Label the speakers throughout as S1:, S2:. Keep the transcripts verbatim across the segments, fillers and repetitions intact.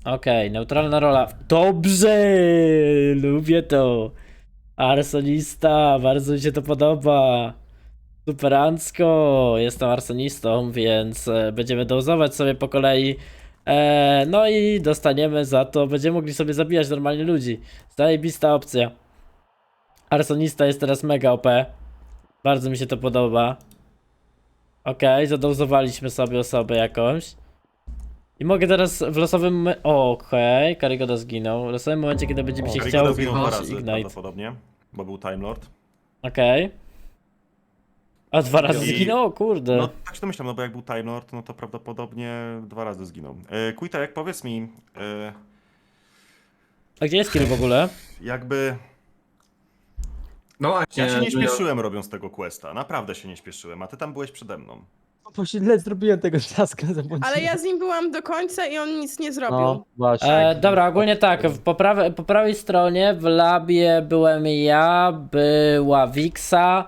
S1: Okej, neutralna rola. Dobrze! Lubię to. Arsonista, bardzo mi się to podoba. Superancko. Jestem arsonistą, więc e, będziemy dozować sobie po kolei. E, no i dostaniemy za to, będziemy mogli sobie zabijać normalnie ludzi. Zajebista opcja. Arsonista jest teraz mega O P. Bardzo mi się to podoba. Okej, okay, zadozowaliśmy sobie osobę jakąś. I mogę teraz w losowym... mo- Okej, okay, Karygoda zginął. W losowym momencie, kiedy będzie mi się
S2: Karygoda
S1: chciał
S2: zginął dwa
S1: wyjąć
S2: razy
S1: Ignite.
S2: prawdopodobnie, bo był Time Lord.
S1: Okej. Okay. A dwa razy
S2: I-
S1: zginął? Kurde.
S2: No tak się domyślam, no bo jak był Time Lord, no to prawdopodobnie dwa razy zginął. E, Quitek, powiedz mi, e,
S1: A gdzie jest kill w ogóle?
S2: jakby...
S3: No właśnie.
S2: Ja się nie
S3: no ja-
S2: śpieszyłem robiąc tego questa, naprawdę się nie śpieszyłem, a ty tam byłeś przede mną.
S4: Bo źle zrobiłem tego czaska.
S5: Ale ja z nim byłam do końca i on nic nie zrobił.
S4: No, właśnie.
S1: E, dobra, ogólnie tak, w, po, prawej, po prawej stronie w labie byłem ja, była Wixa,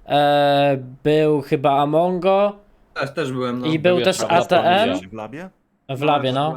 S1: e, był chyba Amongo
S3: Też, też byłem, no.
S1: i był
S6: Był
S1: też
S6: jeszcze
S1: A T M
S2: Byłeś w labie?
S1: w labie, no.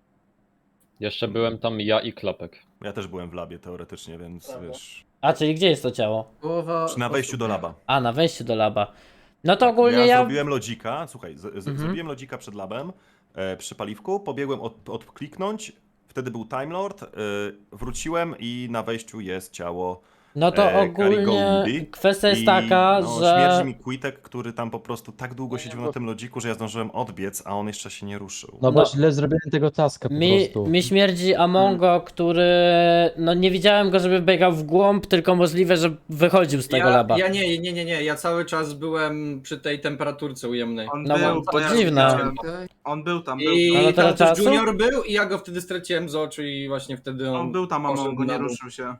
S6: Jeszcze byłem tam ja i Klapek.
S2: Ja też byłem w labie teoretycznie, więc wiesz...
S1: A, czyli gdzie jest to ciało?
S3: Połowa
S2: Przy na wejściu do laba.
S1: A, na wejściu do laba. No to ogólnie
S2: ja,
S1: ja...
S2: zrobiłem lodzika, słuchaj, z, z,
S1: Mhm.
S2: zrobiłem lodzika przed labem, e, przy paliwku, pobiegłem od, odkliknąć, wtedy był Time Lord, e, wróciłem i na wejściu jest ciało.
S1: No to
S2: e,
S1: ogólnie
S2: Karigoundy.
S1: kwestia jest
S2: I,
S1: taka,
S2: no,
S1: że...
S2: Śmierdzi mi Quitek, który tam po prostu tak długo siedział na tym lodziku, że ja zdążyłem odbiec, a on jeszcze się nie ruszył.
S4: No bo
S1: No.
S4: źle zrobiłem tego taska po
S1: Mi,
S4: prostu.
S1: mi śmierdzi Amongo, który... No nie widziałem go, żeby biegał w głąb, tylko możliwe, że wychodził z tego
S3: ja,
S1: laba.
S3: Ja nie, nie, nie, nie, ja cały czas byłem przy tej temperaturce ujemnej.
S7: On
S1: No
S7: był,
S1: bo
S7: bo
S1: to
S7: ja
S1: dziwne.
S7: widziałem. On był tam, był
S3: I
S1: Ale
S7: tam.
S1: tyle
S3: tam też
S1: czasu?
S3: Junior był i ja go wtedy straciłem z oczu i właśnie wtedy on...
S7: On był tam, a
S3: poszedł
S7: Mongo
S3: na
S7: nie
S3: dół.
S7: ruszył się.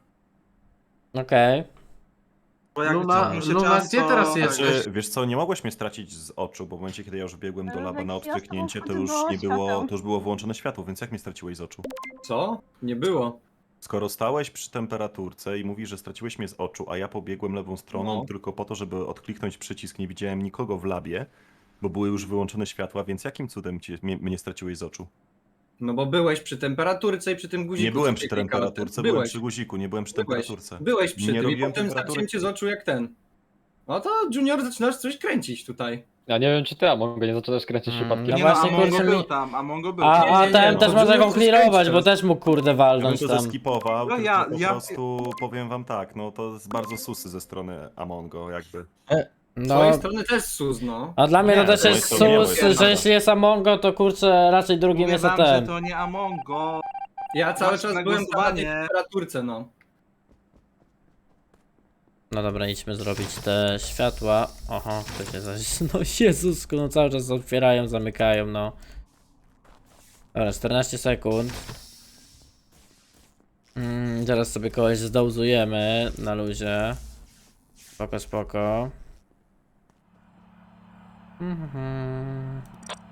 S1: Okej.
S7: Bo jak
S8: Luna-
S7: cofnął się
S8: Luna,
S7: czas,
S8: gdzie
S7: to-
S8: teraz jest?
S2: Znaczy, wiesz co, nie mogłeś mnie stracić z oczu, bo w momencie, kiedy ja już biegłem do laba na odtrychnięcie, to już nie było, to już było włączone światło, więc jak mnie straciłeś z oczu?
S3: Co? Nie było.
S2: Skoro stałeś przy temperaturce i mówisz, że straciłeś mnie z oczu, a ja pobiegłem lewą stroną
S3: No.
S2: tylko po to, żeby odkliknąć przycisk, nie widziałem nikogo w labie, bo były już wyłączone światła, więc jakim cudem cię, mnie, mnie straciłeś z oczu?
S3: No bo byłeś przy temperaturce i przy tym guziku.
S2: Nie byłem
S3: co
S2: przy
S3: się klikało.
S2: temperaturce, byłem
S3: Byłeś.
S2: przy guziku, nie byłem przy
S3: Byłeś,
S2: temperaturce.
S3: byłeś przy
S2: Nie
S3: tym i
S2: robiłem
S3: potem
S2: temperatury.
S3: straciłem cię z oczu jak ten. No to Junior zaczynasz coś kręcić tutaj.
S6: Ja nie wiem czy ty, a mogę nie zacząłeś kręcić
S1: Mm,
S6: przypadkiem.
S1: no
S7: Nie
S1: właśnie,
S7: no, a Mongo
S1: kurczę,
S7: był
S1: mi-
S7: tam, a Mongo był
S1: A,
S7: tam.
S1: a
S3: nie,
S1: ten
S3: no,
S1: też
S3: to
S1: można
S3: Junior
S1: go
S3: coś
S1: clearować,
S3: kręci
S1: bo
S3: teraz.
S1: też mógł kurde
S2: Ja bym
S1: walnąć
S2: to
S1: tam.
S2: zeskipował,
S7: No
S2: tylko
S7: ja-
S2: po
S7: ja-
S2: prostu powiem wam tak, no to jest bardzo susy ze strony Amongo, jakby.
S3: Z
S1: No,
S3: twojej strony też sus, no.
S1: a dla mnie to
S2: Nie,
S1: też
S2: z mojej
S1: jest
S2: strony nie,
S1: sus,
S2: bo jest
S1: że
S2: nada.
S1: jeśli jest Amongo, to kurczę raczej drugim
S7: Mówię
S1: jest
S7: wam, że
S1: A T M.
S7: to nie Amongo.
S3: Ja cały
S7: Masz
S3: czas
S7: na
S3: byłem tam na tej
S7: głosowanie.
S3: temperaturce, no.
S1: No dobra, idźmy zrobić te światła. Oho, to się zaś... No Jezusku, no cały czas otwierają, zamykają, no. Dobra, czternaście sekund. Mm, zaraz sobie kogoś zdołzujemy na luzie. Spoko, spoko. Mhm.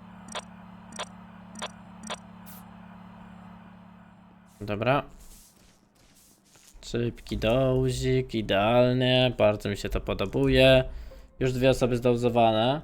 S1: Dobra. Szybki dołzik, idealnie, bardzo mi się to podobuje. Już dwie osoby zdouzowane.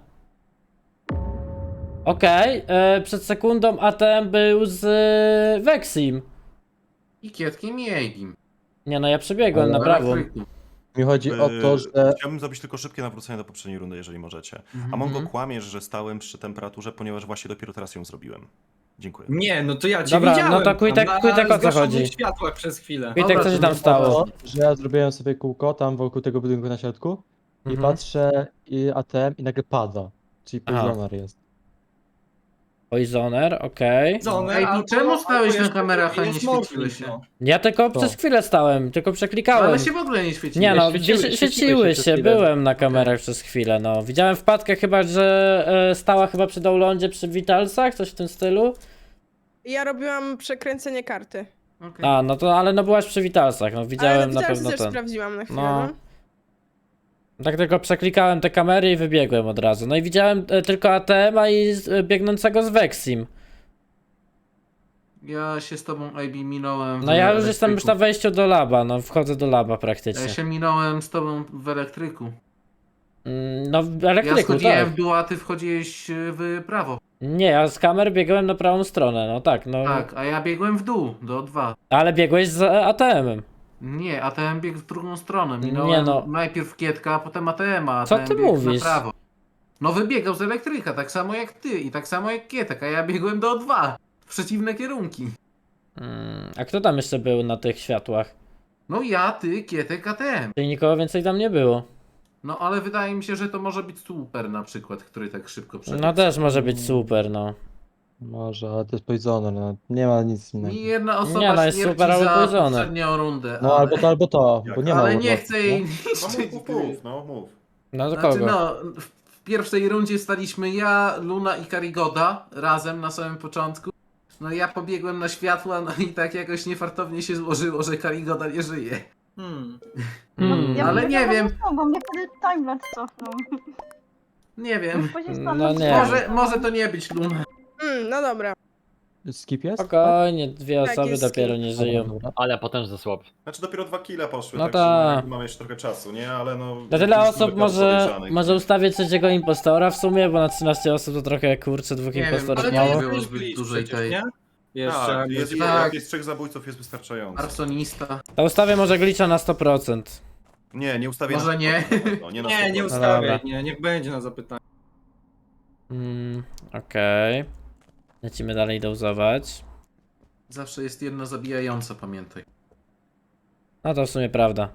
S1: Okej, okay, przed sekundą A T M był z e, Vexim.
S8: I Kietkiem i Eigim.
S1: Nie no, ja przebiegłem
S4: Ale-
S1: na prawą.
S4: Mi chodzi o to,
S2: Yy,
S4: że...
S2: Chciałbym zrobić tylko szybkie nawrócenie do poprzedniej rundy, jeżeli możecie.
S7: Mhm.
S2: A Mongo kłamiesz, że stałem przy temperaturze, ponieważ właśnie dopiero teraz ją zrobiłem. Dziękuję.
S3: Nie, no to ja cię
S1: Dobra,
S3: widziałem.
S1: no to Quitek-
S3: tam na
S1: Quitek, o co
S3: zgaszonych
S1: chodzi?
S3: światłach przez chwilę.
S1: Quitek, co się tam stało?
S4: To, że ja zrobiłem sobie kółko tam wokół tego budynku na środku i
S1: Mhm.
S4: patrzę i A T M i nagle pada. Czyli
S1: Aha.
S4: pożonar jest.
S1: Poisoner, okej.
S3: Zone,
S8: Ej,
S3: albo-
S8: czemu stałeś
S3: albo
S8: na
S3: jest-
S8: kamerach, a nie
S3: jest
S8: świeciły
S3: morfling,
S8: się?
S3: no.
S1: Ja tylko
S4: To.
S1: przez chwilę stałem, tylko przeklikałem.
S8: Ale się w ogóle nie świeciły.
S1: Nie no,
S6: świeciły-
S1: świeciły,
S6: świeciły
S1: świeciły
S6: się
S1: się,
S6: przez chwilę.
S1: byłem na kamerach przez chwilę, no. Widziałem wpadkę chyba, że e, stała chyba przy downloadzie przy Vitalsach, coś w tym stylu.
S5: Ja robiłam przekręcenie karty.
S8: Okej.
S1: A, no to, ale no byłaś przy Vitalsach, no
S5: Ale
S1: widziałem na
S5: teraz
S1: pewno
S5: też
S1: ten.
S5: sprawdziłam na chwilę.
S1: No.
S5: No.
S1: Tak tylko przeklikałem te kamery i wybiegłem od razu. No i widziałem e, tylko A T M-a i z- e, biegnącego z Vexim.
S8: Ja się z tobą, A B, minąłem w
S1: No ja już
S8: elektryku.
S1: jestem już na wejściu do laba, no wchodzę do laba
S8: Ja
S1: praktycznie.
S8: się minąłem z tobą w elektryku.
S1: Mm, No w
S8: Ja
S1: elektryku,
S8: schodziłem
S1: tak.
S8: w dół, a ty wchodziłeś y, w prawo.
S1: Nie, ja z kamer biegłem na prawą stronę, no tak, no.
S8: Tak, a ja biegłem w dół, do dwa.
S1: Ale biegłeś z A T M-em.
S8: Nie, A T M biegł w drugą stronę. Minąłem
S1: no.
S8: najpierw Kietka, a potem A T M, a
S1: Co
S8: ATM
S1: ty
S8: biegł
S1: mówisz?
S8: na prawo. No wybiegał z elektryka, tak samo jak ty i tak samo jak Kietek, a ja biegłem do O dwa. W przeciwne kierunki.
S1: Mm, a kto tam jeszcze był na tych światłach?
S8: No ja, ty, Kietek, A T M.
S1: Czyli nikogo więcej tam nie było.
S8: No ale wydaje mi się, że to może być super na przykład, który tak szybko przebiegł.
S1: No też może być super, no.
S4: Może, ale to jest Poisoner, no. Nie ma nic innego.
S8: Mi jedna osoba
S1: Nie, no jest
S8: śmierci
S1: super, ale
S8: za
S1: Poisoner.
S8: poprzednią rundę.
S4: No
S8: ale...
S4: albo to, albo to, bo nie ma
S8: Ale nie
S4: urlopu,
S8: chcę jej
S2: No
S8: niszczyć.
S2: mów, mów, mów, no mów.
S1: No do
S8: Znaczy
S1: kogo?
S8: no, w w pierwszej rundzie staliśmy ja, Luna i Karigoda razem na samym początku. No ja pobiegłem na światła, no i tak jakoś niefartownie się złożyło, że Karigoda nie żyje.
S7: Hmm.
S1: Mm,
S8: ale
S9: bym
S8: nie
S9: tego
S8: wiem.
S9: cofnął, bo mnie wtedy timelapse cofnął.
S8: Nie wiem.
S9: Później
S1: No
S9: stanął
S1: nie.
S8: Może, może to nie być Luna.
S5: Mm, no dobra.
S4: Skip jest?
S1: Spokojnie, dwie
S5: Tak,
S1: osoby
S5: jest
S1: dopiero
S5: skip.
S1: nie
S4: Dobra,
S1: żyją.
S4: dobra.
S6: Ale potężny słab.
S2: Znaczy dopiero dwa kile poszły,
S1: No
S2: także
S1: ta.
S2: jakby mamy jeszcze trochę czasu, nie? Ale no...
S1: Na tyle
S2: mieliśmy
S1: osób
S2: kilka
S1: może,
S2: podejrzanych.
S1: może ustawię trzeciego impostora w sumie, bo na trzynaście osób to trochę kurczę, dwóch
S8: Nie wiem,
S1: impostorów
S8: ale to
S1: mało.
S8: jest-
S7: było
S8: było
S7: zbyt
S8: zbyt
S7: dużej
S8: dużej
S7: tej.
S8: tej-
S7: Nie? Jeszcze
S2: Tak, jest,
S7: jest...
S8: tak.
S2: jak jest trzech zabójców jest wystarczająco.
S8: Arsonista.
S1: To ustawię może glitcha na sto procent.
S2: Nie, nie ustawię
S8: Może
S2: na
S8: nie.
S2: No, nie, na
S7: Nie, nie
S2: sto procent.
S7: ustawiaj,
S1: Dobra.
S7: nie, niech będzie na zapytanie.
S1: Mm, okej. Lecimy dalej dołzować.
S8: Zawsze jest jedna zabijająca, pamiętaj.
S1: No to w sumie prawda.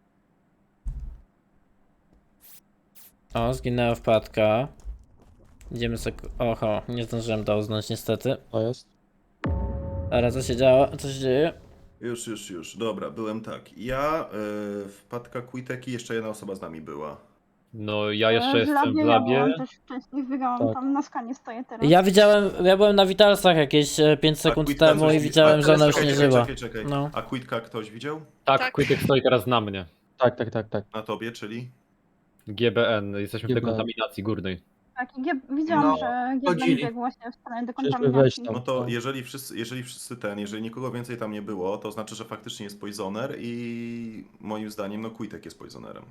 S1: O, zginęła wpadka. Idziemy sobie... Oho, nie zdążyłem dołznąć niestety.
S4: To jest.
S1: Ale co się działo? Co się dzieje?
S2: Już, już, już. Dobra, byłem tak. Ja, y, wpadka Quiteki, jeszcze jedna osoba z nami była.
S6: No ja jeszcze
S9: W
S6: jestem
S9: labie
S6: w
S9: ja
S6: labie.
S9: byłam też wcześniej, wygrałam
S4: Tak.
S9: tam na skanie stoję teraz.
S1: Ja widziałem, ja byłem na Witalsach jakieś e, pięć sekund
S2: Quitka
S1: temu
S2: coś
S1: i
S2: wi-
S1: widziałem,
S2: a,
S1: że ona już
S2: czekaj,
S1: nie
S2: czekaj,
S1: żyła.
S2: Czekaj, czekaj.
S1: No.
S2: A Quitka ktoś widział?
S6: Tak,
S5: Tak.
S6: Quitek stoi teraz na mnie.
S4: Tak, tak, tak, tak.
S2: Na tobie, czyli?
S6: G B N, jesteśmy w
S4: G B N.
S6: dekontaminacji górnej.
S9: Tak, i Gieb- widziałam,
S7: No,
S9: że Gieblen
S7: chodzili.
S9: biegł właśnie w stronę
S4: Przecież wejść
S9: dekontaminacji.
S4: tam.
S2: No to
S4: No.
S2: jeżeli wszyscy, jeżeli wszyscy ten, jeżeli nikogo więcej tam nie było, to znaczy, że faktycznie jest Poisoner i moim zdaniem, no Quitek jest Poisonerem.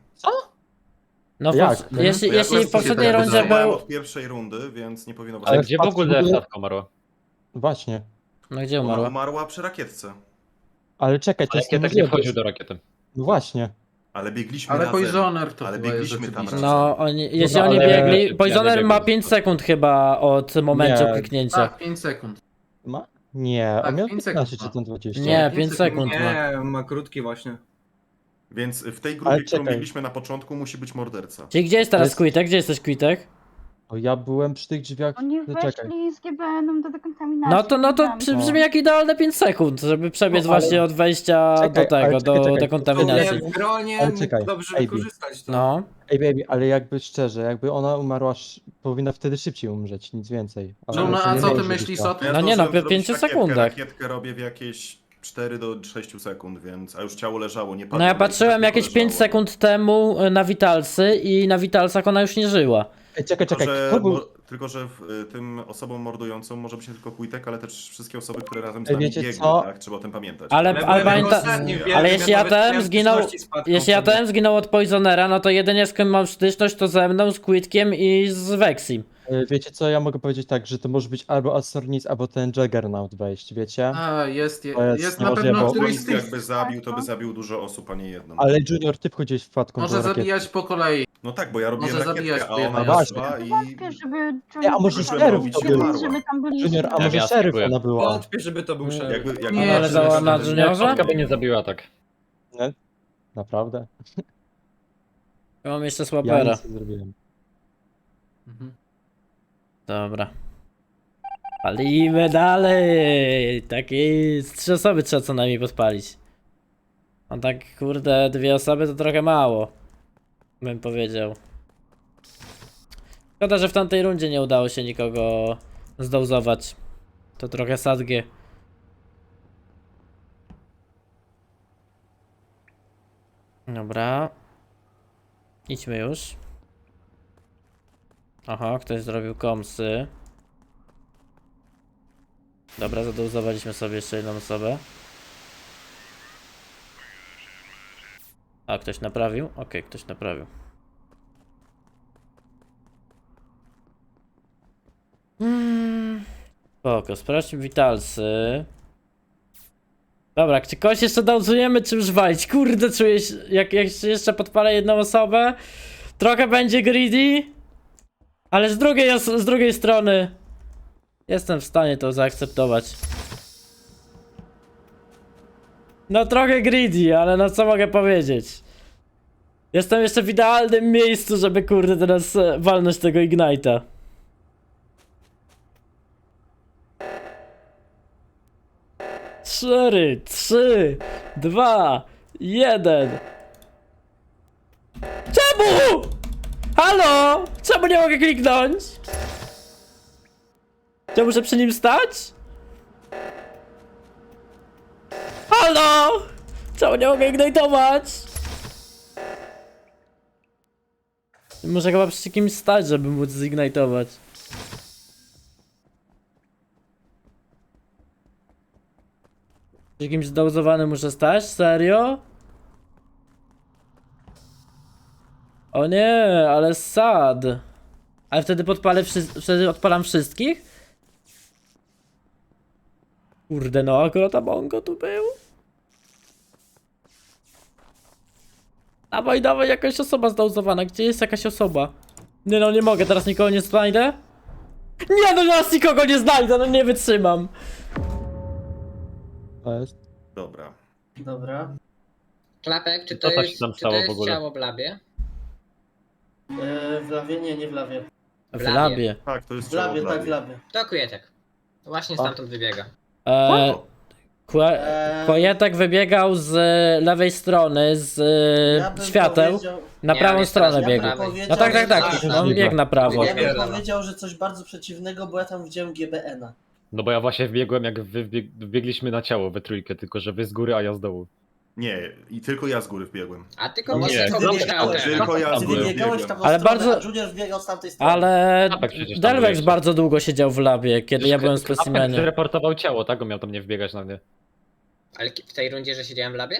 S1: No
S4: Jak?
S1: po,
S4: No,
S1: jeśli,
S2: To ja
S1: jeśli w
S2: akurat
S1: poprzedniej
S2: się
S1: rundzie
S2: zdecydowałem
S1: był...
S2: od pierwszej rundy, więc nie powinno być.
S6: Ale
S4: Ale
S6: gdzie w
S4: wpadki
S6: ogóle
S4: w ogóle-
S6: wpadka umarła?
S4: Właśnie.
S1: No gdzie
S2: Ona
S1: umarła?
S2: umarła przy rakietce.
S4: Ale czekaj, to
S6: Ale
S4: jest
S6: Kietek nie
S4: niemożliwe.
S6: wchodził do rakiety.
S4: No właśnie.
S2: Ale biegliśmy
S8: Ale
S2: razem.
S8: Poisoner to
S2: Ale
S8: chyba jest
S2: biegliśmy tam
S8: rzeczywiście.
S2: razem.
S1: No, oni, jeśli
S4: no,
S1: oni
S4: ale-
S1: biegli...
S6: Ja
S1: Poisoner
S6: nie
S1: ma
S6: biegłem.
S1: pięć sekund chyba od momentu
S4: Nie.
S1: kliknięcia.
S8: Tak, pięć sekund.
S4: Ma? Nie,
S8: Tak,
S4: on miał
S8: pięć
S4: piętnaście
S8: sekund
S4: czy tam dwadzieścia.
S1: Nie,
S8: pięć
S1: pięć sekund
S8: sekund.
S1: ma.
S7: Nie, ma krótki właśnie.
S2: Więc w tej grupie,
S4: Ale
S2: którą
S4: czekaj.
S2: biegliśmy na początku, musi być morderca.
S1: Czyli gdzie jest teraz
S4: jest-
S1: Quitek? Gdzie jesteś Quitek?
S4: O, ja byłem przy tych drzwiach.
S9: Oni
S4: No, czekaj.
S9: weszli z G B N-em do dekontaminacji.
S1: No to, no to
S9: widziałam.
S1: przy- brzmi jak idealne pięć sekund, żeby przebiec
S4: No, ale-
S1: właśnie od wejścia
S4: Czekaj,
S1: do tego,
S4: ale czekaj,
S1: do
S4: czekaj.
S1: dekontaminacji.
S7: Nie, w gronie
S4: Ale
S7: mógł
S4: czekaj,
S7: dobrze
S4: Ej,
S7: wykorzystać to.
S1: No.
S4: Ej, baby, ale jakby szczerze, jakby ona umarła, sz- powinna wtedy szybciej umrzeć, nic więcej. Ale
S8: Luna,
S4: to
S8: a
S4: nie
S8: co ty
S4: może być
S8: myślisz
S4: tak.
S8: o tym?
S1: No nie, no,
S2: zdążyłem
S1: w
S2: zrobić
S1: pięciu
S2: rakietkę.
S1: sekundach.
S2: Rakietkę robię w jakieś cztery do sześciu sekund, więc... A już ciało leżało, nie padło.
S1: No ja
S2: ale
S1: patrzyłem
S2: tylko
S1: jakieś pięć
S2: leżało.
S1: sekund temu y, na Witalsy i na Witalsach ona już nie żyła.
S4: Ej, czekaj,
S2: Tylko,
S4: czekaj,
S2: że,
S4: kto był?
S2: mo- tylko, że w, y, tym osobom mordującą może być nie tylko Quitek, ale też wszystkie osoby, które razem z
S4: Ej,
S2: nami
S4: wiecie
S2: biegły,
S4: co?
S2: tak? Trzeba o tym pamiętać.
S1: Ale-
S7: Ja
S1: ale
S7: byłem
S1: pamięta-
S7: ostatni w
S2: ale
S7: wielkim,
S1: jeśli
S7: ja
S1: A
S7: nawet
S1: T M
S7: miałem
S1: zginął-
S7: styczności z Patką
S1: Jeśli A T M
S7: wtedy.
S1: zginął od Poisonera, no to jedynie z kim mam styczność to ze mną, z Quitkiem i z Vexim.
S4: E, Wiecie co, ja mogę powiedzieć tak, że to może być albo Asornis, albo ten Juggernaut wejść, wiecie?
S8: A, jest, je,
S4: To jest
S8: jest na
S4: niemożliwe,
S8: pewno
S4: bo-
S8: któryś
S2: Któryś
S8: z tych.
S2: jakby zabił, to by zabił dużo osób, a nie jedną.
S4: Ale Junior, ty wchodziłeś w wpadką
S8: Może
S4: do rakiety.
S8: zabijać po kolei.
S2: No tak, bo ja robiłem
S8: Może
S2: rakietkę,
S8: zabijać
S2: a
S8: po
S2: ona
S8: jednej
S2: jaszła
S4: osobie.
S2: i...
S9: Wątpię, żeby
S4: Ej, a może
S9: Junior
S2: szeryf
S9: żeby-
S2: to był?
S9: żeby tam byli.
S4: Junior, a
S6: Ja
S4: może
S6: ja
S4: szeryf
S6: spróbuję.
S4: ona była?
S7: Wątpię, żeby to był szeryf.
S2: Jakby, jakby
S8: Nie,
S2: ona
S8: ale
S2: szeryf,
S1: za-
S2: to
S1: na
S2: by-
S1: Juniorze?
S6: Wpadka by nie zabiła tak.
S4: Nie? Naprawdę?
S1: Ja mam jeszcze
S4: Ja
S1: Swapera.
S4: nic nie zrobiłem.
S8: Mhm.
S1: Dobra. Palimy dalej! Tak jest. Trzy osoby trzeba co najmniej podpalić. A tak kurde, dwie osoby to trochę mało. Bym powiedział. Szkoda, że w tamtej rundzie nie udało się nikogo zdołzować. To trochę sadgie. Dobra. Idźmy już. Aha, ktoś zrobił komsy. Dobra, zadozowaliśmy sobie jeszcze jedną osobę. A, ktoś naprawił? Okej, ktoś naprawił. Spoko, sprawdźmy witalsy. Dobra, czy kogoś jeszcze dozujemy, czy już walić? Kurde, czuję się, jak, jak jeszcze podpalę jedną osobę, trochę będzie greedy, ale z drugiej, os- z drugiej strony jestem w stanie to zaakceptować. No trochę greedy, ale no co mogę powiedzieć? Jestem jeszcze w idealnym miejscu, żeby kurde teraz e, walnąć tego Ignite'a. Cztery, trzy, dwa, jeden. Czemu? Halo? Czemu nie mogę kliknąć? Czy muszę przy nim stać? Halo? Czemu nie mogę ignitować? Muszę chyba przy kimś stać, żeby móc zignitować. Przy kimś zdołzowanym muszę stać? Serio? O nie, ale sad. Ale wtedy podpalę wszy- wtedy odpalam wszystkich? Kurde no, akurat Amongo tu był. Dawaj, dawaj, jakaś osoba zdauzowana. Gdzie jest jakaś osoba? Nie no, nie mogę, teraz nikogo nie znajdę. Nie no, teraz nikogo nie znajdę, no nie wytrzymam.
S4: To jest.
S2: Dobra.
S3: Dobra.
S10: Klapek, czy
S6: Co
S10: to
S6: to się
S10: jest,
S6: tam
S10: czy
S6: stało
S10: to
S6: w
S10: jest
S6: ogóle?
S10: ciało w labie?
S3: E, w lawie? Nie, nie w lawie.
S1: W
S10: labie.
S1: labie.
S2: Tak, to jest
S3: W labie,
S2: ciało
S3: tak, w labie.
S10: To Kujetek. Właśnie
S4: A.
S10: stamtąd wybiega.
S1: Eee, Kue-
S3: Eee,
S1: Kojetek wybiegał z lewej strony, z
S3: ja bym
S1: świateł,
S3: powiedział-
S1: na
S10: Nie,
S1: prawą
S10: jest
S1: stronę
S10: teraz na
S1: biegł.
S10: prawej.
S3: powiedział,
S1: No tak, tak, tak,
S10: że-
S1: on biegł na prawo.
S3: Ja bym
S10: Pierdolę.
S3: powiedział, że coś bardzo przeciwnego, bo ja tam widziałem G B N a.
S6: No bo ja właśnie wbiegłem, jak wy wbieg wbiegliśmy na ciało we trójkę, tylko że wy z góry, a ja z dołu.
S2: Nie, i tylko ja z góry wbiegłem.
S10: A tylko
S3: No
S10: nie,
S3: właśnie,
S10: tylko
S3: ty
S10: wybiegał
S3: wybiegałeś,
S10: teraz.
S2: Tylko ja z
S3: Ty
S2: góry
S3: wybiegałeś w
S2: wbiegłem.
S3: taką
S1: Ale
S3: stronę,
S1: bardzo-
S3: a Junior wbiegał z tamtej strony.
S1: Ale
S6: Klapek przecież tam
S1: Delvex
S6: byłeś.
S1: bardzo długo siedział w labie, kiedy ja byłem w
S6: Klapek
S1: specimenie.
S6: zreportował ciało, tak? On miał tam nie wbiegać na mnie.
S10: Ale w tej rundzie, że siedziałem w labie?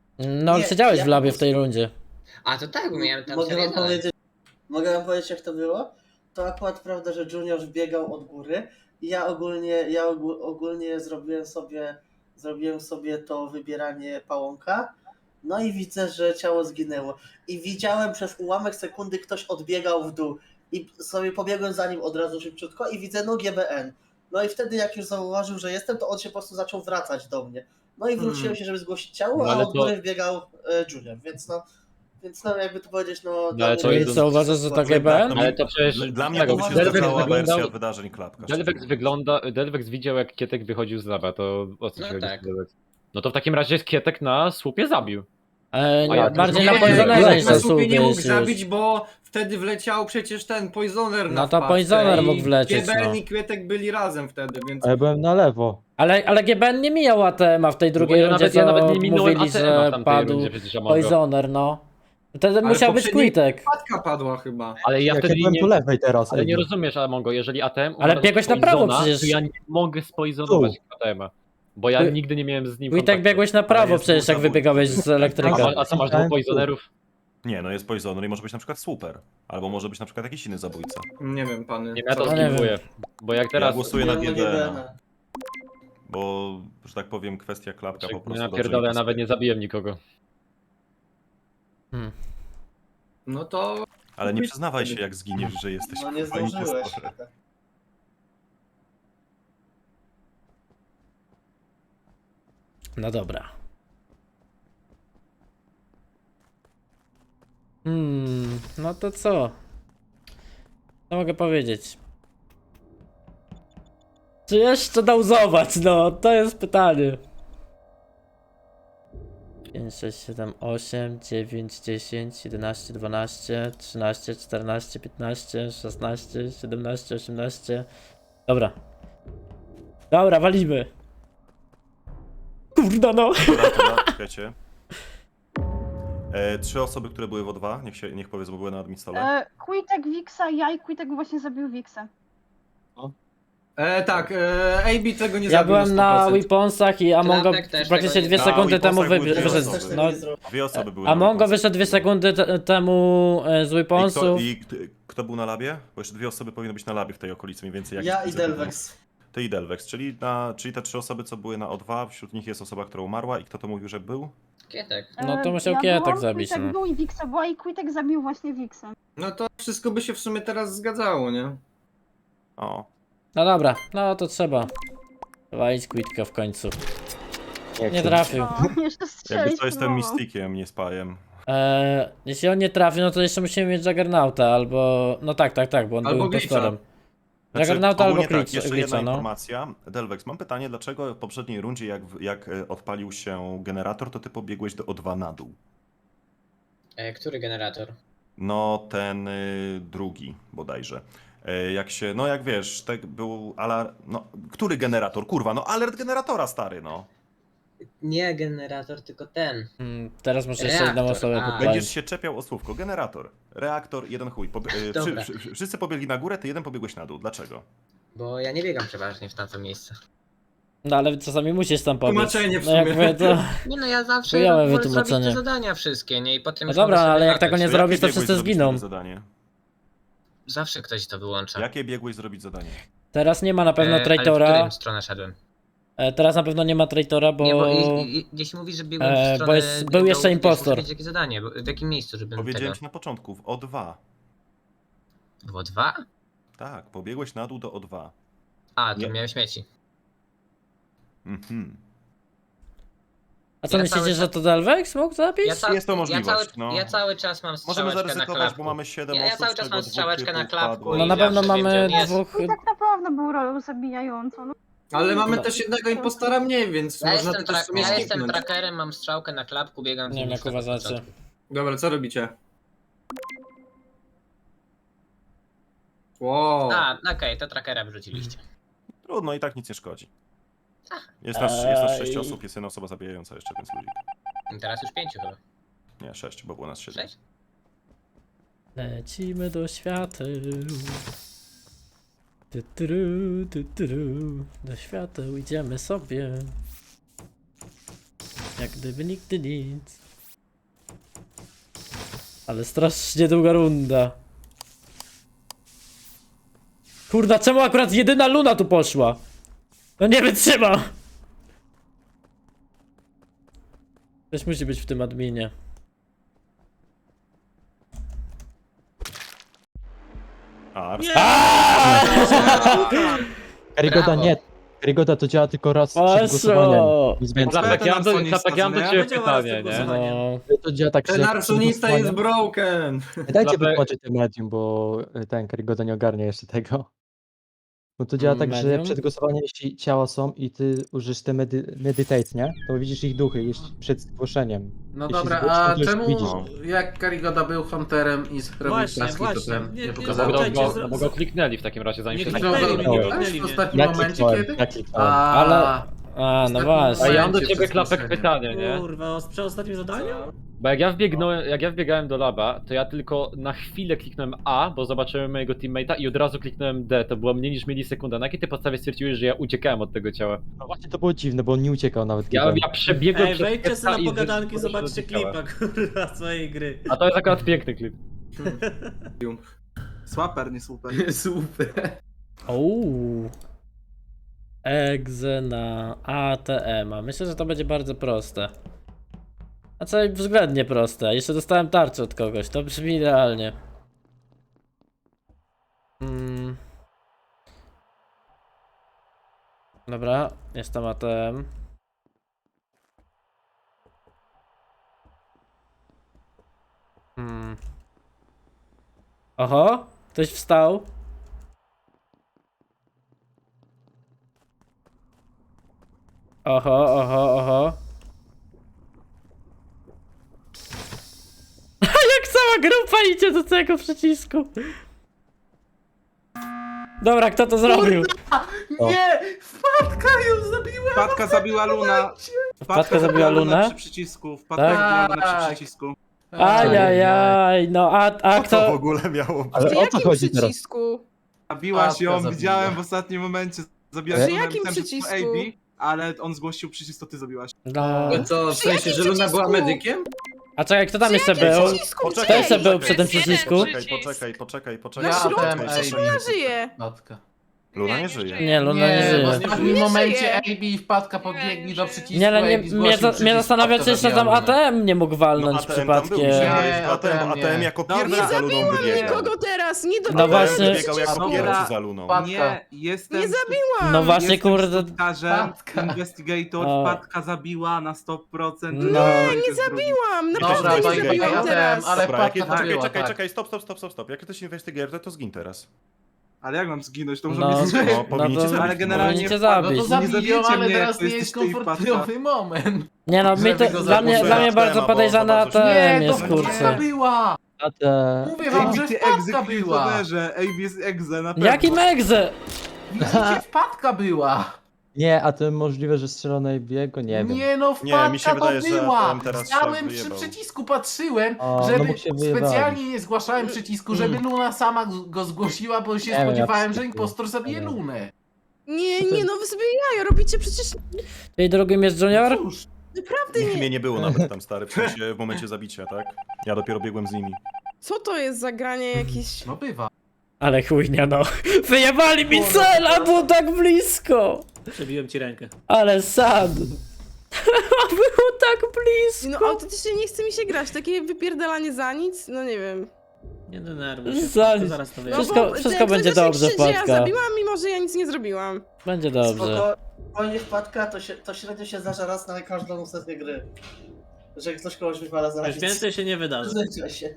S1: No,
S3: Nie,
S1: siedziałeś
S3: ja
S1: w labie
S3: po
S1: w tej rundzie.
S10: A to tak, bo miałem tam
S3: Mogę
S10: sobie
S3: wam
S10: zadać.
S3: powiedzieć, mogę wam powiedzieć jak to było? To akurat prawda, że Junior wbiegał od góry i ja ogólnie, ja ogó- ogólnie zrobiłem sobie, zrobiłem sobie to wybieranie pałąka, no i widzę, że ciało zginęło. I widziałem przez ułamek sekundy ktoś odbiegał w dół i sobie pobiegłem za nim od razu szybciutko i widzę no G B N. No i wtedy jak już zauważył, że jestem, to on się po prostu zaczął wracać do mnie. No i wróciłem
S7: Hmm.
S3: się, żeby zgłosić ciało,
S6: No
S3: a
S6: ale
S3: od
S6: to-
S3: góry wbiegał e, Junior, więc no, więc no jakby to powiedzieć, no... dla
S6: ale
S3: mnie
S6: to
S1: I
S6: jest-
S1: co, uważasz, że to G B N?
S2: No,
S6: Ale to przecież...
S2: Dla- Dla mnie
S6: tego,
S2: to by się
S3: Delvex
S2: zgadzała
S6: wyglądał-
S2: wersja wydarzeń Klapka.
S6: Delvex wygląda... Delvex widział, jak Kietek wychodził z laba, to o co
S10: No
S6: ci chodzi?
S10: tak.
S6: Delvex? No to w takim razie Kietek na słupie zabił.
S1: E,
S6: A ja
S1: bardziej
S6: też
S1: na
S6: nie,
S1: Poisonerze
S6: nie,
S1: niż
S7: na
S1: na
S7: słupie nie mógł
S1: słupie
S7: zabić, bo wtedy wleciał przecież ten Poisoner na
S1: No to
S7: wpadce
S1: Poisoner
S7: i
S1: mógł wlecieć,
S7: G B N
S1: no.
S7: i Kwiatek byli razem wtedy, więc...
S4: A ja byłem na lewo.
S1: Ale, ale G B N nie mijał A T M a w tej
S6: Bo
S1: drugiej
S6: ja
S1: rundzie,
S6: nawet, ja
S1: co
S6: nawet nie minąłem
S1: mówili,
S6: A T M a w
S1: że
S6: tamtej
S1: padł
S6: rundzie, przecież Amongo.
S1: Poisoner, no. Wtedy
S7: Ale
S1: musiał być
S7: poprzedniej-
S1: Quitek.
S7: Wpadka padła chyba.
S6: Ale ja
S4: Jak ja
S6: wtedy
S4: byłem
S6: nie...
S4: po lewej teraz.
S6: Ale nie
S4: Ebi.
S6: rozumiesz, Amongo, jeżeli A T M
S1: Ale
S6: umarł
S1: biegłeś
S6: z
S1: na prawo
S6: Poisona,
S1: przecież.
S6: to ja nie mogę spoizonować A T M a. Bo ja
S1: Quick-
S6: nigdy nie miałem z nim
S1: Quitek
S6: kontaktu.
S1: biegłeś na prawo
S2: jest
S1: przecież, jak
S2: dwóch
S1: wybiegałeś z
S6: A,
S1: elektryka.
S6: a co masz dwóch poisonerów?
S2: Nie, no jest Poisoner i może być na przykład Super. Albo może być na przykład jakiś inny zabójca.
S7: Nie wiem, pany.
S6: Nie, ja to
S1: No nie
S6: skipuję. Bo jak
S2: Ja
S6: teraz...
S2: głosuję na
S3: Miałem
S2: G
S3: G B
S2: B
S3: N
S2: N.
S3: a.
S2: Bo, że tak powiem, kwestia Klapka po prostu...
S6: Ja
S2: dobrze
S6: pierdolę, ja
S2: mi
S6: nawet nie zabiłem nikogo.
S1: Hmm.
S7: No to...
S2: Ale nie przyznawaj się, jak zginiesz, że jesteś
S3: No nie
S2: kurwa
S3: zdążyłeś.
S2: impostorem.
S1: No dobra. Hmm, no to co? Co mogę powiedzieć? Czy jeszcze dauzować? No, to jest pytanie. pięć, sześć, siedem, osiem, dziewięć, dziesięć, jedenaście, dwanaście, trzynaście, czternaście, piętnaście, szesnaście, siedemnaście, osiemnaście. Dobra. Dobra, walimy. Kurda no.
S2: Dobra, dobra, czekajcie. E, trzy osoby, które były w O dwa, niech, się, niech powiedzą, bo były na adminstole.
S9: E, Quitek, Wixa, ja i Quitek właśnie zabił Wixę.
S7: E, tak, e, A B tego nie
S1: Ja
S7: zabił
S1: byłem na
S7: sto procent.
S1: Weaponsach i Amongo
S10: Klapek też
S1: praktycznie
S10: tego nie
S1: dwie
S2: zrobił.
S1: sekundy
S2: Na
S1: temu wy,
S2: Weaponsach były
S1: wyszedł.
S2: dwie
S3: Też tego
S1: No,
S3: nie zrobił.
S2: Dwie osoby były na
S1: Amongo
S2: Weaponsach.
S1: wyszedł dwie sekundy te, temu e, z
S2: I kto,
S1: Weaponsów.
S2: I kto, kto był na labie? Bo jeszcze dwie osoby powinny być na labie w tej okolicy, mniej więcej jak
S3: Ja i
S2: widzę,
S3: Delvex.
S2: Ty i Delvex, czyli, na, czyli te trzy osoby, co były na O dwa, wśród nich jest osoba, która umarła i kto to mówił, że był?
S10: Kietek.
S1: No to
S9: E,
S1: musiał
S9: ja
S1: Kietek
S9: byłam,
S1: zabić,
S9: Quitek
S1: no.
S9: był i Wixa była i Quitek zabił właśnie Wixę.
S7: No to wszystko by się w sumie teraz zgadzało, nie?
S2: O,
S1: No dobra, no to trzeba. Walić Quitka w końcu. Nie
S4: chcę.
S1: trafił.
S9: No, jeszcze strzelić
S2: jakby to jestem
S9: próbował.
S2: Mystikiem, nie Spajem.
S1: Eee, jeśli on nie trafi, no to jeszcze musimy mieć Juggernauta albo... No tak, tak, tak, bo on
S7: Albo
S1: był
S7: Glitcha.
S1: impostorem.
S2: Znaczy,
S1: Juggernauta albo
S2: ogólnie tak,
S1: Glitcha,
S2: jeszcze
S1: Glitcha,
S2: jedna
S1: no.
S2: informacja. Delvex, mam pytanie, dlaczego w poprzedniej rundzie, jak, jak e, odpalił się generator, to ty pobiegłeś do O dwa na dół?
S10: E, który generator?
S2: No, ten y, drugi bodajże. E, jak się, no jak wiesz, tak był alarm, no, który generator? Kurwa, no alert generatora, stary, no.
S10: Nie generator, tylko ten.
S1: Mm, teraz muszę jeszcze jedną
S10: Reaktor,
S1: osobę
S10: a.
S1: podpalić.
S2: Będziesz się czepiał o słówko. Generator, reaktor, jeden chuj. Pobie- e, wszy,
S10: Dobra.
S2: wszy, wszyscy pobiegli na górę, ty jeden pobiegłeś na dół. Dlaczego?
S10: Bo ja nie biegam przeważnie w tamto miejsce.
S1: No ale czasami musisz tam pobiec.
S7: Tłumaczenie w
S1: No jak
S7: sumie.
S1: mówię, to...
S10: Nie no, ja zawsze
S1: Chujowe
S10: wolę zrobić
S1: wytłumaczenie.
S10: te zadania wszystkie, nie? I potem
S1: No
S10: już
S1: dobra,
S10: mogę sobie
S1: ale jak
S10: latać.
S1: tego nie
S2: To
S1: zrobisz, to
S2: jakie biegłeś
S1: wszyscy
S2: zrobić
S1: zginą.
S2: wtedy zadanie?
S10: Zawsze ktoś to wyłącza.
S2: Jakie biegłeś zrobić zadanie?
S1: Teraz nie ma na pewno
S10: E, ale w
S1: traitora.
S10: którym stronę szedłem?
S1: E, teraz na pewno nie ma traitora, bo...
S10: Nie, bo i, i, jeśli mówisz, że biegłem
S1: E,
S10: w
S1: bo
S10: stronę
S1: jest- był
S10: dołu,
S1: jeszcze
S10: to już
S1: impostor.
S10: muszę wiedzieć, jakie zadanie, bo, w jakim miejscu, żebym
S2: Powiedziałem
S10: tego...
S2: ci na początku, w O dwa.
S10: Było dwa?
S2: Tak, pobiegłeś na dół do O dwa.
S10: A, to
S2: Nie.
S10: miałem śmieci.
S2: Mhm.
S1: A co
S10: Ja
S1: myślicie,
S10: cały
S1: że
S10: czas-
S1: to Delvex mógł zabić?
S10: Ja, ca...
S2: Jest to możliwość,
S10: ja, cały...
S2: no.
S10: ja cały czas mam
S2: Możemy
S10: strzałeczkę na
S2: zaryzykować,
S10: klapku.
S2: bo mamy siedem
S10: Ja- ja
S2: osób,
S10: cały
S2: z
S10: czas
S2: czego
S10: mam
S2: dwóch
S10: strzałeczkę
S2: typów
S10: na klapku
S2: padło.
S1: No
S10: i
S1: na pewno
S10: zawsze wiem, gdzie
S1: mamy
S10: on jest.
S1: dwóch...
S9: Quitek naprawdę był rolą zabijającą. No.
S7: Ale mamy
S1: No.
S7: też jednego impostora mniej, więc
S10: Ja
S7: można
S10: jestem,
S7: to też
S10: tra...
S7: w sumie
S10: ja jestem
S7: skipnąć.
S10: trackerem, mam strzałkę na klapku, biegam z
S1: Nie
S10: nim
S1: wiem jak
S10: już od
S1: uważacie.
S10: początku.
S7: Dobra, co robicie? Wow.
S10: A, okej, to trackera wrzuciliście.
S2: Trudno, i tak nic nie szkodzi.
S10: Ach.
S2: Jest nas, jest nas sześć
S1: Ej.
S2: osób, jest jedna osoba zabijająca jeszcze, więc ludzi.
S10: I teraz już pięciu chyba.
S2: Nie, sześć, bo było nas siedem.
S10: Sześć?
S1: Lecimy do świateł. Tytru, tytru. Do świateł idziemy sobie. Jak gdyby nigdy nic. Ale strasznie długa runda. Kurda, czemu akurat jedyna Luna tu poszła? No nie wytrzyma! Ktoś musi być w tym adminie.
S2: A, Ars-
S4: Karygoda
S10: Brawo.
S4: nie. Karygoda to działa tylko raz przed głosowaniem.
S1: Poszło!
S4: Nic więcej.
S6: Klapek, ja mam do,
S7: Arsonista,
S6: Klapek, ja mam do
S7: co nie?
S6: ciebie
S7: Będzie
S6: pytanie,
S7: raz
S6: nie?
S1: No.
S4: To działa tak, że
S7: Ten
S4: jak przed
S7: arsonista jest
S4: głosowaniem-
S7: broken.
S4: Dajcie
S6: Klapek-
S4: wytłumaczyć ten medium, bo ten Karygoda nie ogarnia jeszcze tego. Bo to działa tak, że
S1: Medium?
S4: przed głosowaniem, jeśli ciała są i ty użysz te medy meditate, nie? To widzisz ich duchy jeśli przed zgłoszeniem.
S8: No
S4: Jeśli
S8: dobra,
S4: zgłosisz,
S8: a
S4: to już
S8: czemu
S4: widzisz.
S8: jak Karigoda był hunterem i zrobił
S11: Właśnie,
S8: taski, to
S11: właśnie.
S8: ten
S11: Nie-
S8: nie
S11: nie
S6: No
S8: pokazał?
S6: bo go,
S11: Zapytajcie,
S6: go,
S11: z-
S6: no bo go kliknęli w takim razie, zanim
S11: Nie
S6: się
S11: kliknęli
S6: zgłosił.
S11: mnie, nie
S4: No.
S11: kliknęli
S8: W
S11: mnie.
S8: ostatnim
S4: Ja
S8: momencie
S4: kliknąłem,
S8: kiedy?
S4: ja kliknąłem.
S8: A,
S1: Ale- A, no
S8: Ostatni
S1: właśnie.
S6: A ja mam do
S8: Momencie
S6: ciebie
S8: przed
S6: Klapek
S8: zgłoszeniem.
S6: pytanie, nie?
S11: Kurwa, o- przy ostatnim zadaniu?
S6: Bo jak ja wbiegnąłem, jak ja wbiegałem do laba, to ja tylko na chwilę kliknąłem A, bo zobaczyłem mojego teammate'a i od razu kliknąłem D, to było mniej niż milisekunda. Na jakiej ty podstawie stwierdziłeś, że ja uciekałem od tego ciała?
S4: No właśnie to było dziwne, bo on nie uciekał nawet.
S6: Ja,
S4: kiedy-
S6: ja przebiegłem
S11: Ej,
S6: przez
S11: wejdźcie
S6: Kepsa
S11: sobie na
S6: i
S11: pogadanki,
S6: wyszedłem
S11: zobaczcie
S6: do ciała.
S11: klipa, kurwa, swojej gry.
S6: A to jest akurat piękny klip.
S7: Swaper, nie super.
S8: super.
S1: Uuu. Egze na A T M. -a. Myślę, że to będzie bardzo proste. A co względnie proste. Jeszcze dostałem tarczę od kogoś. To brzmi idealnie. Mm. Dobra, jest tam A T M. Hmm. Oho, ktoś wstał. Oho, oho, oho. Jak cała grupa idzie do tego przycisku. Dobra, kto to zrobił?
S7: Nie! Wpadka ją zabiła! Wpadka zabiła Luna.
S1: Wpadka zabiła Lunę?
S7: przy przycisku. Wpadka
S1: Tak?
S7: zabiła Lunę
S8: Tak.
S7: przy przycisku.
S1: Ajajaj, no a, a
S2: Co to w
S1: kto...
S2: ogóle miało
S4: Ale
S5: Przy
S4: o co
S5: jakim
S4: chodzi teraz?
S5: przycisku?
S7: Zabiłaś
S8: Wpadka
S7: ją,
S8: zabiła.
S7: widziałem w ostatnim momencie. Zabiłaś
S4: Przy
S7: Lunę,
S5: jakim
S7: myślałem, że to
S5: przycisku?
S7: A B, ale on zgłosił przycisk, to ty zabiłaś.
S1: No.
S7: Co,
S5: w sensie, że Luna była medykiem?
S1: A czekaj, kto tam jeszcze
S5: jakim
S1: był?
S5: przycisku?
S1: Kto jeszcze był przy tym przycisku?
S2: Poczekaj, poczekaj, poczekaj, poczekaj.
S8: Ja
S2: poczekaj,
S8: ten
S2: poczekaj,
S8: A B.
S5: Ja żyję.
S8: Matka.
S2: Luna nie żyje.
S1: Nie, Luna nie
S8: w
S1: żyje.
S8: ostatnim
S12: Nie
S8: momencie
S12: żyje.
S8: A B i wpadka podbiegli do przycisku.
S1: Nie, ale nie,
S8: A B
S1: mnie,
S8: zgłosił
S1: za, mnie
S8: przycisk,
S1: zastanawia,
S8: wpadka
S1: czy jeszcze tam
S8: zabija
S1: A T M nie mógł
S2: No
S1: walnąć
S2: A T M tam był,
S1: przypadkiem.
S2: nie,
S8: Nie,
S2: A T M, A T M
S8: nie.
S2: jako
S7: Dobra.
S2: pierwszy za Luną
S12: Zabiłam
S2: wybiegał.
S12: nikogo teraz, nie
S1: No
S12: dobiegłam
S2: A T M
S1: właśnie.
S2: wybiegał jako
S8: Dobra.
S2: pierwszy za Luną.
S8: Wpadka.
S7: Nie, jestem...
S12: Nie zabiłam!
S1: No właśnie,
S7: jestem
S1: kurde.
S7: plotkarzem,
S8: Wpadka.
S7: Investigator,
S1: O.
S7: wpadka zabiła na sto procent.
S1: No.
S12: Nie zabiłam!
S2: Dobra,
S12: Naprawdę
S2: to
S12: nie
S2: czekaj,
S12: zabiłam
S8: ja
S12: teraz!
S8: wiem, ale
S2: Dobra, jak,
S8: wpadka
S2: czekaj,
S8: zabiła,
S2: czekaj,
S8: tak.
S2: czekaj, stop, stop, stop, stop, stop. Jak ty jesteś investigator, to zgin teraz.
S7: Ale jak mam zginąć? To muszę
S1: No,
S7: mnie zginąć.
S2: No, powinniście
S1: to
S2: zabić.
S7: Ale generalnie
S1: powinniście
S8: No
S1: zabić.
S8: to zabiją,
S7: zabijecie
S8: ale
S7: mnie,
S8: teraz
S7: jak
S8: nie
S7: to
S8: jest
S7: jesteście i
S8: komfortowy moment.
S1: Nie no, mi
S8: Żeby
S1: to,
S8: go
S1: dla mnie,
S8: zabić.
S1: dla mnie
S2: A T M,
S1: bardzo
S2: bo
S1: podejrzane
S2: za
S1: A
S2: bardzo
S1: T M
S8: Nie,
S1: jest,
S8: to
S1: kurczę.
S8: wpadka była!
S4: A te...
S8: Mówię wam, że
S7: Ty
S8: wpadka była!
S7: egzekutorze, A B jest egze, na pewno.
S1: Jaki megze?
S8: Widzicie, wpadka była!
S4: Nie, a to możliwe, że strzelone A B'ego? Nie wiem.
S8: Nie no,
S2: Nie,
S8: wpadka
S2: mi się wydaje,
S8: to
S2: że
S8: była!
S2: ten teraz się
S8: Stałem przy
S2: wyjebał.
S8: przycisku, patrzyłem,
S4: O, no
S8: żeby
S4: bo się wyjebali.
S8: specjalnie nie zgłaszałem przycisku, żeby Luna sama go zgłosiła, bo się
S4: Nie wiem,
S8: spodziewałem,
S4: ja
S8: że
S4: przycisku.
S8: impostor zabije
S4: Nie wiem.
S8: Lunę.
S12: Nie, nie, no wy sobie jajo robicie przecież...
S1: Tej drugim jest Junior?
S8: Cóż,
S12: Naprawdę
S2: Nikt
S12: nie...
S2: mnie nie było nawet tam, stary, w sensie w momencie zabicia, tak? Ja dopiero biegłem z nimi.
S12: Co to jest za granie jakieś...
S8: no bywa.
S1: Ale chujnia no. Wyjebali mi cel, a było tak blisko.
S11: Przebiłem ci rękę.
S1: Ale sad. Było tak
S12: No
S1: blisko.
S12: autentycznie nie chce mi się grać, takie wypierdalanie za nic, no nie wiem.
S11: Nie denerwuj się,
S1: Zaś.
S11: to zaraz to
S12: No
S11: wyjaśnię.
S1: Wszystko-
S12: bo
S1: wszystko
S12: ten
S1: będzie
S12: ktoś
S1: dobrze,
S12: krzyczy, że ja
S1: Wpadka.
S12: zabiłam, mimo że ja nic nie zrobiłam.
S1: Będzie dobrze.
S3: Spoko, spokojnie wpadka, to, się, to średnio się zdarza raz na każdą sesję gry. Że ktoś kogoś wywala za
S11: Już
S3: nic.
S11: więcej się nie wydarzy.
S3: Zdarza się.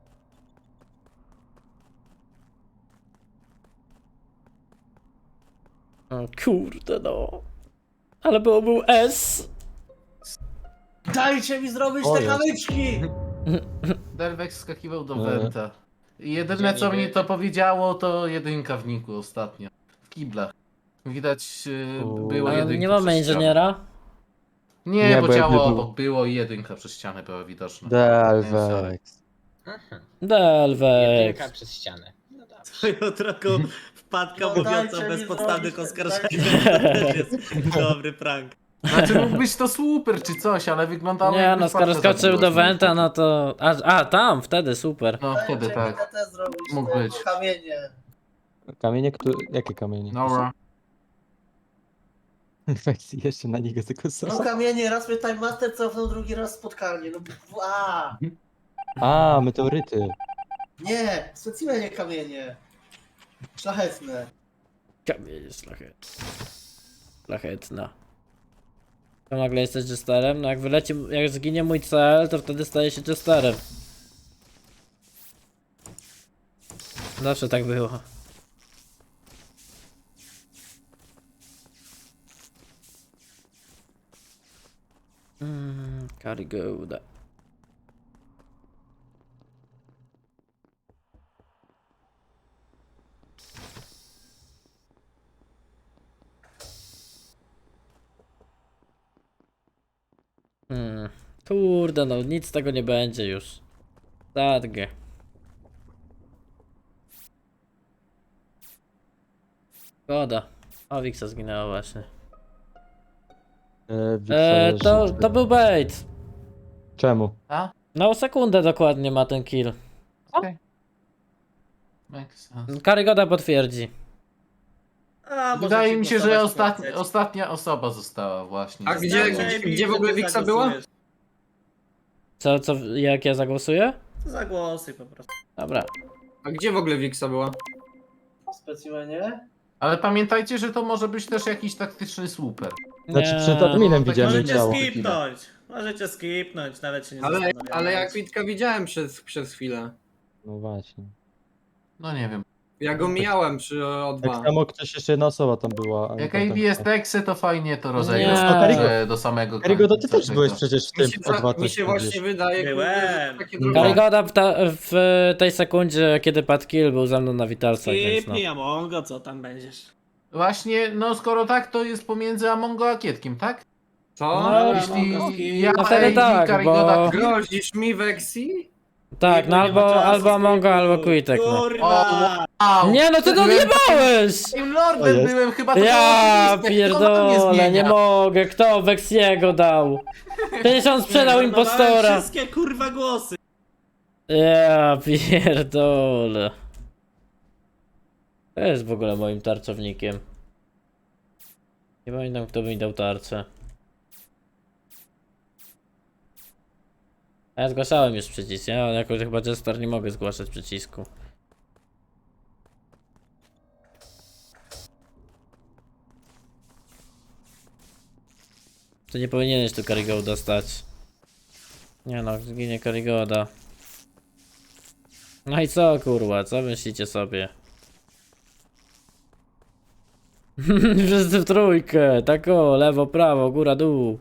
S1: O kurde no. Ale było był S.
S3: Dajcie mi zrobić
S4: O,
S3: te
S4: jest.
S3: kamyczki!
S8: Delvex skakiwał do
S4: Nie.
S8: Wenta. I jedyne co mi to powiedziało, to jedynka w niku ostatnio. W kiblach. Widać yy,
S4: U.
S8: było
S1: Ale
S8: jedynka
S1: nie mamy
S8: przez ścianę.
S1: inżyniera?
S8: Nie,
S4: Nie,
S8: bo
S4: bo jakby
S8: ciało
S4: był-
S8: obok było i jedynka przez ścianę była widoczna.
S4: Delvex.
S10: Mhm.
S1: Delvex.
S10: Jedynka przez ścianę. No dobrze.
S11: Swoją drogą wpadka
S3: No
S11: mówiąca
S3: dajcie
S11: o
S3: mi
S11: bezpodstawnych
S3: zrobić,
S11: oskarżeniach. To też jest dobry prank.
S8: Znaczy mógł być to super czy coś, ale wyglądało
S1: Nie
S8: jakby
S1: no, skoro
S8: wpadka
S1: skoczył
S8: zabiła
S1: do
S8: się.
S1: Wenta, no to... A, a tam, wtedy, super.
S8: No wtedy
S3: Dajcie mi
S8: tak.
S3: te zrobić,
S8: Mógł
S3: te
S8: być.
S3: kamienie.
S4: Kamienie, które... Jakie kamienie?
S8: Dobra.
S4: Weź jeszcze na niego
S3: No
S4: zagłosował.
S3: kamienie, raz mnie Time Master cofnął, drugi raz spotkanie. No a,
S4: A, meteoryty.
S3: nie, specjalnie kamienie. Szlachetne.
S1: Kamień szlachetny. Szlachetna. To nagle jesteś jesterem? No jak wyleci, jak zginie mój cel, to wtedy staje się jesterem. Zawsze tak było. Mmm, Karigoda. Hmm. Kurde no, nic z tego nie będzie już. Zadgę. Szkoda. O, Wixa zginęła właśnie.
S4: E, Wiksa
S1: Eee,
S4: leży.
S1: to, to był bait.
S4: Czemu?
S8: A?
S1: No sekundę dokładnie ma ten kill.
S8: Makes sense.
S1: Karygoda potwierdzi.
S11: A, może
S8: Wydaje
S11: ci
S8: mi się, że
S11: głosować
S8: ostatni,
S11: chcecie.
S8: ostatnia osoba została właśnie.
S5: A gdzie,
S11: Znaczy,
S5: gdzie, gdzie w ogóle
S11: ty
S5: Wiksa była?
S11: zagłosujesz.
S1: Co, co, jak ja zagłosuję?
S11: Zagłosuj po prostu.
S1: Dobra.
S5: A gdzie w ogóle Wiksa była?
S3: Specjalnie.
S8: Ale pamiętajcie, że to może być też jakiś taktyczny super.
S4: Znaczy
S1: Nie.
S4: przed adminem widziałem jej
S11: Możecie
S4: ciało.
S11: skipnąć. Możecie skipnąć, nawet się nie
S5: Ale,
S11: zastanawiamy.
S5: ale jak Witka widziałem przez, przez chwilę.
S4: No właśnie.
S8: No nie wiem.
S5: Ja go mijałem przy O
S4: Tak
S5: dwa.
S4: samo ktoś jeszcze jedna osoba tam była. a
S8: Jak
S4: potem-
S8: A B jest teksy, to fajnie to
S1: Nie.
S8: rozejdzie
S1: No,
S8: do samego
S4: Karygoda,
S8: końca
S4: ty też
S8: tego.
S4: byłeś przecież w
S5: Mi
S4: tym
S5: się,
S4: O dwa
S5: za, mi
S4: coś
S5: się
S4: mówisz.
S5: właśnie wydaje, kurde,
S11: Byłem.
S5: że takie
S8: No.
S5: drogi.
S1: Karygoda w, ta, w tej sekundzie, kiedy padł kill, był ze mną na witalcach, więc no.
S11: Skipnij, Amongo, co tam będziesz?
S8: Właśnie, no skoro tak, to jest pomiędzy Amongo a Kietkiem, tak?
S5: Co?
S1: No,
S8: Jeśli ja
S1: no wtedy
S8: A B,
S1: tak,
S8: Karygoda,
S1: bo-
S5: Grozisz mi Vexi?
S1: Tak, no
S11: Nie ma
S1: albo,
S11: czasu,
S1: albo Amongo, albo Quitek, no.
S11: Kurwa!
S8: Au!
S1: Nie no, ty to
S8: Byłem
S1: odjebałeś!
S8: takim
S4: O
S8: lordem
S4: jest.
S8: byłem, chyba to
S1: Ja
S8: było oczywiste, kto na to
S1: pierdolę, nie
S8: zmienia?
S1: mogę, kto Vexiego dał? Przecież on sprzedał
S11: Zmarnowałem
S1: impostora.
S11: wszystkie kurwa głosy.
S1: Ja pierdolę. To jest w ogóle moim tarczownikiem. Nie pamiętam, kto by mi dał tarczę. A ja zgłaszałem już przycisk, nie? Ale jakoś chyba Jester nie mogę zgłaszać przycisku. To nie powinieneś tu Karigoda stać. Nie no, zginie Karigoda. No i co kurwa, co myślicie sobie? Wszyscy w trójkę, tak o, lewo, prawo, góra, dół.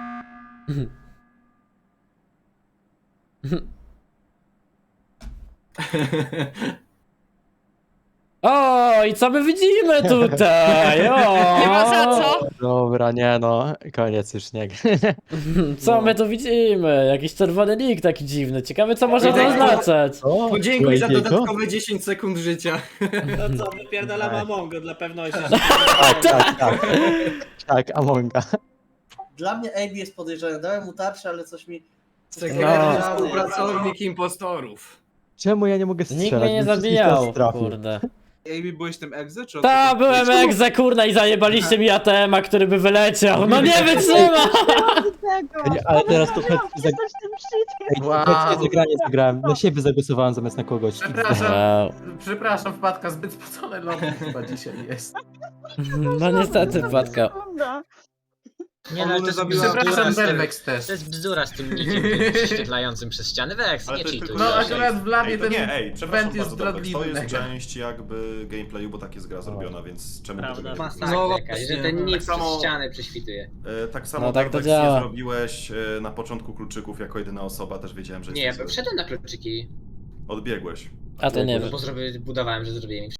S1: O, i co my widzimy tutaj? O!
S12: Nie ma za co.
S4: Dobra, nie no, koniec już, nie.
S1: Co my tu widzimy? Jakiś czerwony nick taki dziwny. Ciekawe co może to oznaczać.
S4: O,
S5: Podziękuj za
S4: Bladiego?
S5: dodatkowe dziesięć sekund życia.
S11: No co, wypierdalam Amongo dla pewności.
S4: Tak, tak, tak. Tak, Amonga.
S3: Dla mnie A B jest podejrzany. Dałem mu tarczę, ale coś mi...
S5: Sekretny
S1: No.
S5: współpracownik impostorów.
S4: Czemu ja nie mogę strzelać?
S1: Nikt mnie nie
S4: No przecież
S1: zabijał,
S4: teraz trafił.
S1: kurde.
S7: Ej, byłeś tym egze, czy o co
S1: Ta,
S7: chodzi?
S1: byłem egze kurna i zajebaliście mi A T M a, który by wyleciał. No nie wytrzyma!
S9: Tego.
S4: Nie, ale teraz to
S9: Musiałam
S4: chętnie
S9: pisać tym shit.
S4: Wow. zagranie zagrałem. Na siebie zagłosowałem zamiast na kogoś.
S8: Przepraszam,
S1: Wow.
S8: przepraszam, wpadka, zbyt spocone lobby chyba dzisiaj jest.
S1: No niestety, wpadka.
S9: Sekunda.
S10: Nie no, ale to jest
S7: Zabiła-
S10: bzdura
S8: Przepraszam,
S10: z tym,
S8: Delvex też.
S10: to jest bzdura z tym nikiem prześwietlającym przez ściany. Wex,
S2: Ale
S10: nie
S2: to jest
S10: cheatuj.
S2: tylko-
S8: No akurat w labie
S2: Ej, to
S8: ten
S2: nie, ej, przepraszam
S8: went jest
S2: bardzo, Dobrex, to
S8: zdradliwy.
S2: jest część jakby gameplayu, bo tak jest gra zrobiona, więc czemu
S11: Prawda.
S2: tego nie
S11: Masakra.
S10: Masakra
S5: No
S10: jakaś, że
S5: właśnie.
S10: ten nic
S2: Tak samo-
S10: przez ściany prześwituje.
S2: E, Tak samo
S1: No tak to
S2: Dobrex
S1: działa.
S2: nie zrobiłeś e, na początku kluczyków jako jedyna osoba, też wiedziałem, że
S10: Nie, ja
S2: jesteś zły.
S10: wszedłem na kluczyki,
S2: Odbiegłeś.
S1: A to nie
S10: no
S1: wiem.
S10: bo zrobię, budowałem, że zrobiłem